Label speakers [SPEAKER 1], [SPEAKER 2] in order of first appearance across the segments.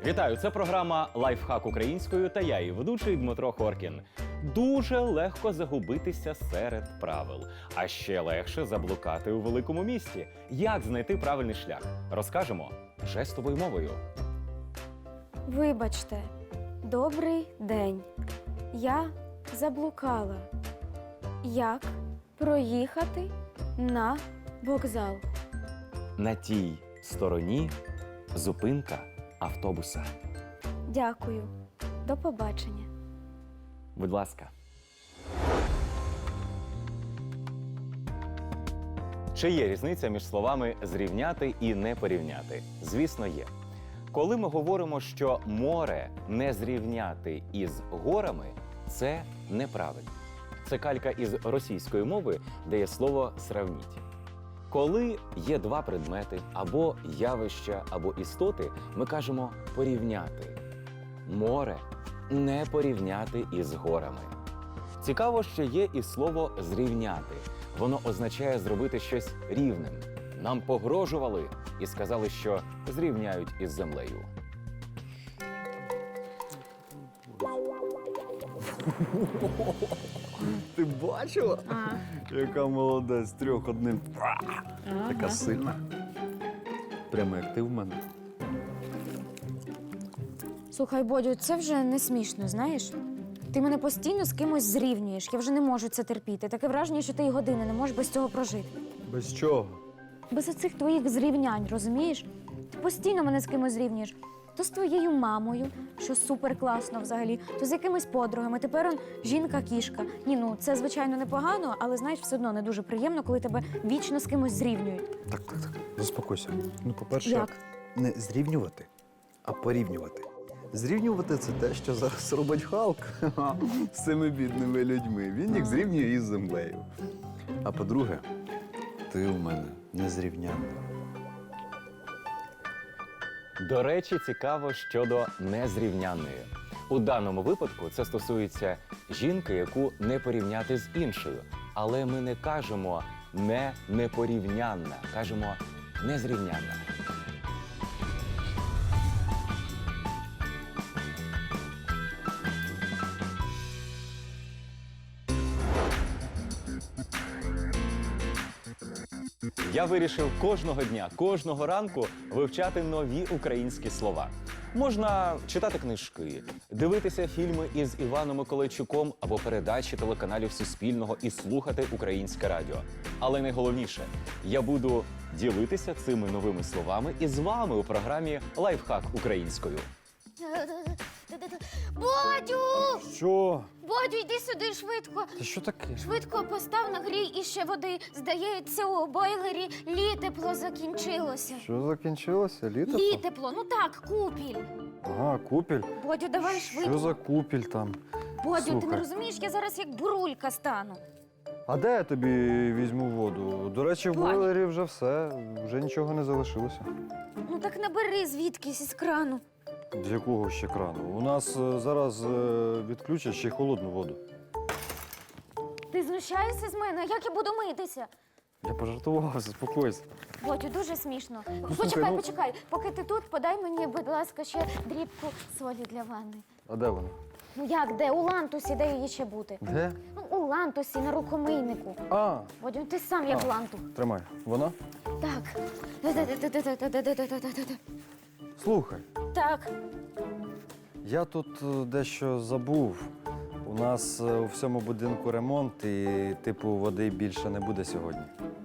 [SPEAKER 1] Вітаю! Це програма «Лайфхак українською» та я, її ведучий Дмитро Хоркін. Дуже легко загубитися серед правил, а ще легше заблукати у великому місті. Як знайти правильний шлях? Розкажемо жестовою мовою.
[SPEAKER 2] Вибачте, добрий день. Я заблукала. Як проїхати на вокзал?
[SPEAKER 1] На тій стороні зупинка автобуса.
[SPEAKER 2] Дякую. До побачення.
[SPEAKER 1] Будь ласка. Чи є різниця між словами «зрівняти» і «не порівняти»? Звісно, є. Коли ми говоримо, що море не зрівняти із горами, це неправильно. Це калька із російської мови, де є слово «сравніть». Коли є два предмети, або явища, або істоти, ми кажемо «порівняти». Море не порівняти із горами. Цікаво, що є і слово «зрівняти». Воно означає зробити щось рівним. Нам погрожували і сказали, що зрівняють із землею.
[SPEAKER 3] Ти бачила? Яка молодець, трьох одним. Така сильна. Прямо як ти в мене.
[SPEAKER 2] Слухай, Бодю, це вже не смішно, знаєш? Ти мене постійно з кимось зрівнюєш. Я вже не можу це терпіти. Таке враження, що ти й години не можеш без цього прожити.
[SPEAKER 3] Без чого?
[SPEAKER 2] Без оцих твоїх зрівнянь, розумієш? Ти постійно мене з кимось зрівнюєш. То з твоєю мамою, що супер класно взагалі, то з якимись подругами. Тепер он жінка-кішка. Ні, ну це звичайно непогано, але знаєш, все одно не дуже приємно, коли тебе вічно з кимось зрівнюють.
[SPEAKER 3] Так. Заспокойся. Ну, по-перше,
[SPEAKER 2] Як?
[SPEAKER 3] не зрівнювати, а порівнювати. Зрівнювати – це те, що зараз робить Халк з цими бідними людьми. Він їх зрівнює із землею. А по-друге, ти у мене незрівнянна.
[SPEAKER 1] До речі, цікаво щодо незрівнянної. У даному випадку це стосується жінки, яку не порівняти з іншою. Але ми не кажемо непорівнянна, кажемо незрівнянна. Я вирішив кожного дня, кожного ранку вивчати нові українські слова. Можна читати книжки, дивитися фільми із Іваном Миколайчуком або передачі телеканалів Суспільного і слухати українське радіо. Але найголовніше, я буду ділитися цими новими словами із вами у програмі «Лайфхак українською».
[SPEAKER 4] Бодю!
[SPEAKER 3] Що?
[SPEAKER 4] Бодю, йди сюди швидко.
[SPEAKER 3] Та що таке?
[SPEAKER 4] Швидко постав нагрій іще води. Здається, у бойлері літепло закінчилося.
[SPEAKER 3] Що закінчилося? Літо?
[SPEAKER 4] Літепло, ну так, купіль.
[SPEAKER 3] Ага, купіль.
[SPEAKER 4] Бодю, давай швидко.
[SPEAKER 3] Що за купіль там?
[SPEAKER 4] Бодю, ти не
[SPEAKER 3] Слухай.
[SPEAKER 4] розумієш, я зараз як бурулька стану.
[SPEAKER 3] А де я тобі візьму воду? До речі, в
[SPEAKER 4] Вань.
[SPEAKER 3] бойлері вже все, вже нічого не залишилося.
[SPEAKER 4] Ну так набери звідкись із крану.
[SPEAKER 3] З якого ще крану? У нас зараз відключать ще й холодну воду.
[SPEAKER 4] Ти знущаєшся з мене, а як я буду митися?
[SPEAKER 3] Я пожартував, заспокойся.
[SPEAKER 4] Бодю, дуже смішно.
[SPEAKER 3] слухай,
[SPEAKER 4] Почекай. Поки ти тут, подай мені, будь ласка, ще дрібку солі для ванни.
[SPEAKER 3] А де вона?
[SPEAKER 4] Ну як, де? У лантусі, де її ще бути?
[SPEAKER 3] Де?
[SPEAKER 4] Ну, у лантусі, на рукомийнику.
[SPEAKER 3] А,
[SPEAKER 4] Бодю, ти сам як лантух.
[SPEAKER 3] тримай. Вона?
[SPEAKER 4] Так.
[SPEAKER 3] Слухай,
[SPEAKER 4] Так.
[SPEAKER 3] я тут дещо забув. У нас у всьому будинку ремонт і, типу, води більше не буде сьогодні.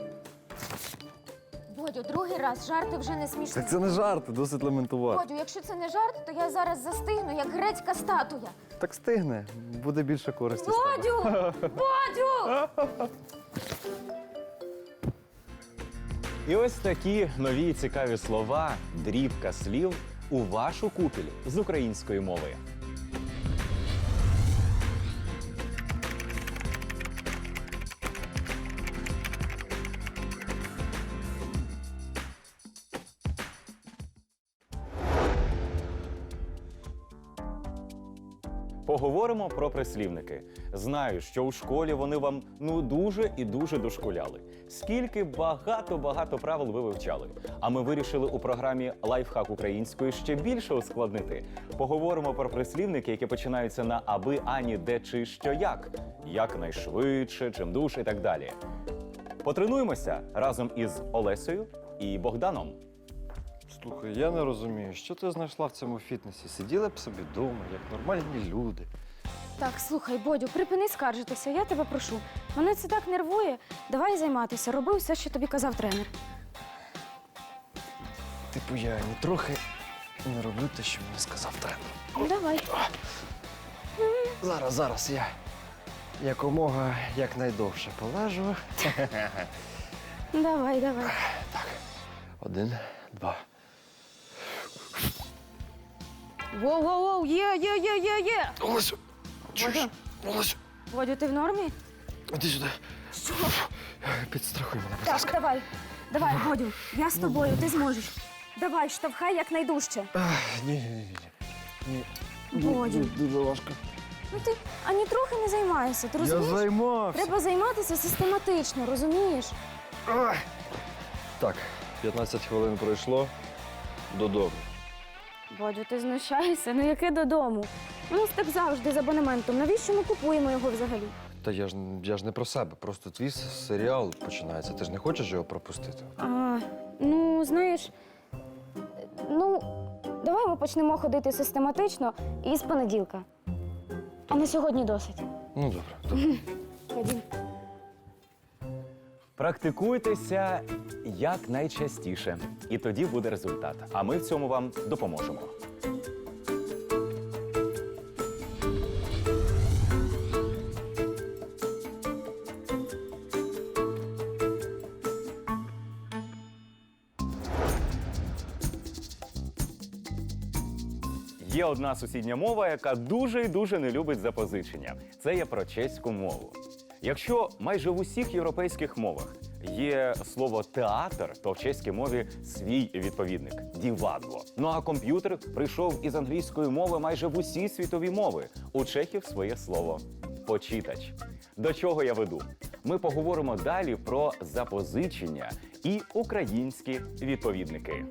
[SPEAKER 4] Бодю, другий раз жарти вже не смішні.
[SPEAKER 3] Так це не жарти, досить лементувати.
[SPEAKER 4] Бодю, якщо це не жарт, то я зараз застигну, як грецька статуя.
[SPEAKER 3] Так стигне, буде більше користі з тебе.
[SPEAKER 4] Бодю! Бодю!
[SPEAKER 1] І ось такі нові цікаві слова, дрібка слів у вашу купіль з української мови. Поговоримо про прислівники. Знаю, що у школі вони вам дуже і дуже дошкуляли. Скільки багато правил ви вивчали. А ми вирішили у програмі «Лайфхак української» ще більше ускладнити. Поговоримо про прислівники, які починаються на аби, ані, де, чи, що, як. Якнайшвидше, чимдуж і так далі. Потренуємося разом із Олесею і Богданом.
[SPEAKER 5] Слухай, я не розумію, що ти знайшла в цьому фітнесі? Сиділи б собі вдома, як нормальні люди.
[SPEAKER 2] Так, слухай, Бодю, припини скаржитися, я тебе прошу. Мене це так нервує. Давай займатися, роби все, що тобі казав тренер.
[SPEAKER 5] Типу, я ні трохи не роблю те, що мені сказав тренер.
[SPEAKER 2] Ну, давай.
[SPEAKER 5] Зараз я якомога якнайдовше полежу.
[SPEAKER 2] Давай.
[SPEAKER 5] 1, 2.
[SPEAKER 2] Воу, є.
[SPEAKER 5] Олесю! Чуєш? Олесю!
[SPEAKER 2] Бодю, ти в нормі?
[SPEAKER 5] Іди сюди.
[SPEAKER 2] Що?
[SPEAKER 5] Підстрахуй мене, будь
[SPEAKER 2] Так,
[SPEAKER 5] ласка.
[SPEAKER 2] давай, Бодю, я з тобою, ти зможеш. Давай, штовхай якнайдужче.
[SPEAKER 5] Ні.
[SPEAKER 2] Бодю,
[SPEAKER 5] Дуже важко.
[SPEAKER 2] ну ти ані трохи не займаєшся, ти розумієш?
[SPEAKER 5] займався.
[SPEAKER 2] Треба займатися систематично, розумієш?
[SPEAKER 5] Так, 15 хвилин пройшло. Додому.
[SPEAKER 2] Бодю, ти знущаєшся? Ну яке додому? У нас так завжди з абонементом. Навіщо ми купуємо його взагалі?
[SPEAKER 5] Та я ж не про себе. Просто твій серіал починається. Ти ж не хочеш його пропустити?
[SPEAKER 2] Ну, знаєш, давай ми почнемо ходити систематично і з понеділка. А на сьогодні досить.
[SPEAKER 5] Ну, добре.
[SPEAKER 2] Ходім.
[SPEAKER 1] Практикуйтеся якнайчастіше, і тоді буде результат. А ми в цьому вам допоможемо. Є одна сусідня мова, яка дуже і дуже не любить запозичення. Це є про чеську мову. Якщо майже в усіх європейських мовах є слово «театр», то в чеській мові свій відповідник – «дівадло». Ну а комп'ютер прийшов із англійської мови майже в усі світові мови. У чехів своє слово «почитач». До чого я веду? Ми поговоримо далі про запозичення і українські відповідники.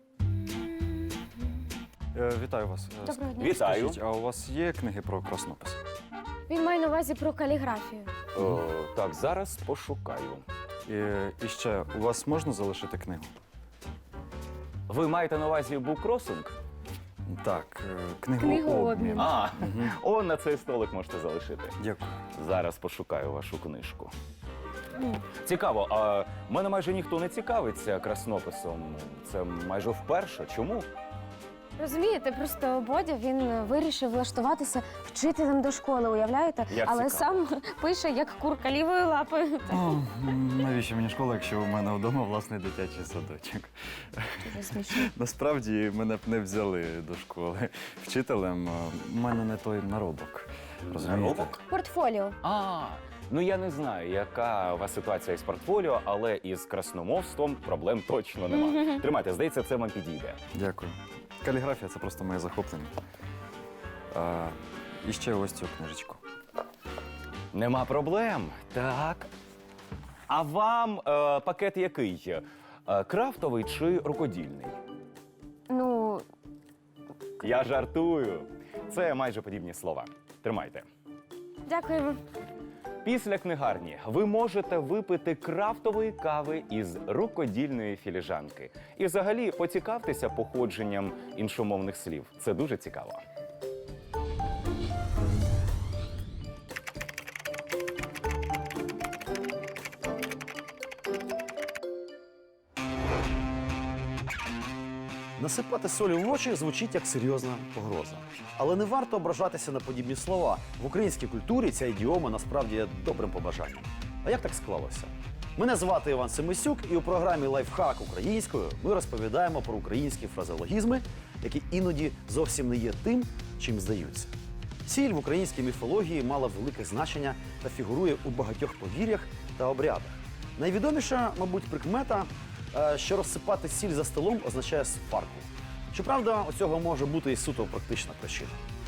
[SPEAKER 5] Вітаю вас.
[SPEAKER 2] Доброго дня.
[SPEAKER 1] Вітаю.
[SPEAKER 5] Скажіть, а у вас є книги про краснопис?
[SPEAKER 2] Він має на увазі про каліграфію.
[SPEAKER 1] Так, зараз пошукаю.
[SPEAKER 5] І ще, у вас можна залишити книгу?
[SPEAKER 1] Ви маєте на увазі буккросинг?
[SPEAKER 5] Так, книгу
[SPEAKER 2] Книгообмін.
[SPEAKER 1] А, он на цей столик можете залишити.
[SPEAKER 5] Дякую.
[SPEAKER 1] Зараз пошукаю вашу книжку. Цікаво, а мене майже ніхто не цікавиться краснописом. Це майже вперше. Чому?
[SPEAKER 2] Розумієте, просто Бодя, він вирішив влаштуватися вчителем до школи, уявляєте?
[SPEAKER 1] Як
[SPEAKER 2] Але
[SPEAKER 1] цікаво.
[SPEAKER 2] сам пише, як курка лівою лапою.
[SPEAKER 5] Навіщо мені школа, якщо у мене вдома власний дитячий садочок?
[SPEAKER 2] Дуже смішно.
[SPEAKER 5] Насправді мене б не взяли до школи. Вчителем у мене не той наробок. Розумієте?
[SPEAKER 1] Наробок?
[SPEAKER 2] Портфоліо.
[SPEAKER 1] Ну я не знаю, яка у вас ситуація із портфоліо, але із красномовством проблем точно нема. Тримайте, здається, це вам підійде.
[SPEAKER 5] Дякую. Каліграфія – це просто моє захоплення. І ще ось цю книжечку.
[SPEAKER 1] Нема проблем. Так. А вам пакет який? Крафтовий чи рукодільний?
[SPEAKER 2] Ну,
[SPEAKER 1] Я жартую. Це майже подібні слова. Тримайте.
[SPEAKER 2] дякуємо.
[SPEAKER 1] Після книгарні ви можете випити крафтової кави із рукодільної філіжанки. І взагалі поцікавтеся походженням іншомовних слів. Це дуже цікаво.
[SPEAKER 6] Насипати солі в очі звучить як серйозна погроза. Але не варто ображатися на подібні слова. В українській культурі ця ідіома насправді є добрим побажанням. А як так склалося? Мене звати Іван Семисюк, і у програмі «Лайфхак українською» ми розповідаємо про українські фразеологізми, які іноді зовсім не є тим, чим здаються. Сіль в українській міфології мала велике значення та фігурує у багатьох повір'ях та обрядах. Найвідоміша, мабуть, прикмета, що розсипати сіль за столом означає сварку. Щоправда, у цього може бути і суто практична причина.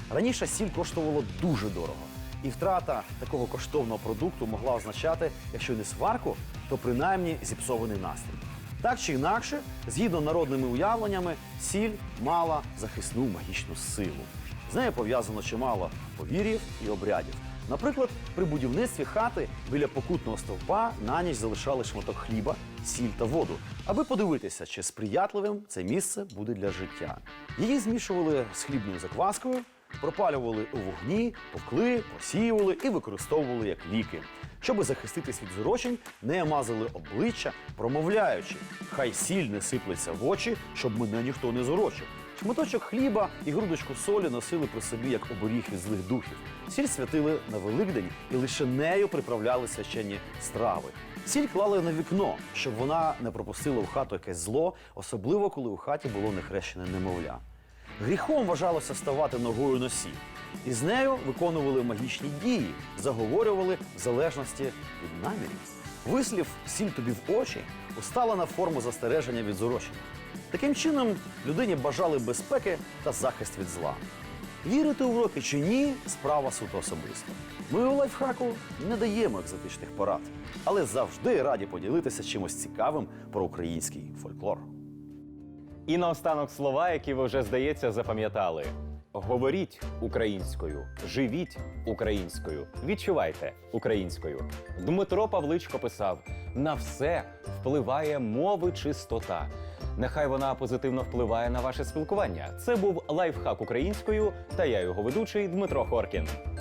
[SPEAKER 6] Раніше сіль коштувала дуже дорого. І втрата такого коштовного продукту могла означати, якщо не сварку, то принаймні зіпсований настрій. Так чи інакше, згідно народними уявленнями, сіль мала захисну магічну силу. З нею пов'язано чимало повір'їв і обрядів. Наприклад, при будівництві хати біля покутного стовпа на ніч залишали шматок хліба, сіль та воду, аби подивитися, чи сприятливим це місце буде для життя. Її змішували з хлібною закваскою, пропалювали у вогні, повкли, просіювали і використовували як ліки. Щоби захиститись від зурочень, нею мазали обличчя, промовляючи: «Хай сіль не сиплеться в очі, щоб мене ніхто не зурочив». Шматочок хліба і грудочку солі носили при собі як оберіг від злих духів. Сіль святили на Великдень і лише нею приправляли священні страви. Сіль клали на вікно, щоб вона не пропустила в хату якесь зло, особливо коли у хаті було нехрещене немовля. Гріхом вважалося ставати ногою на сіль. І з нею виконували магічні дії, заговорювали в залежності від намірів. Вислів «сіль тобі в очі» усталена форма застереження від зурочень. Таким чином, людині бажали безпеки та захист від зла. Вірити у уроки чи ні – справа суто особиста. Ми у лайфхаку не даємо екзотичних порад, але завжди раді поділитися чимось цікавим про український фольклор.
[SPEAKER 1] І наостанок слова, які ви вже, здається, запам'ятали. Говоріть українською, живіть українською, відчувайте українською. Дмитро Павличко писав: «На все впливає мови чистота. Нехай вона позитивно впливає на ваше спілкування». Це був лайфхак українською, та я його ведучий Дмитро Хоркін.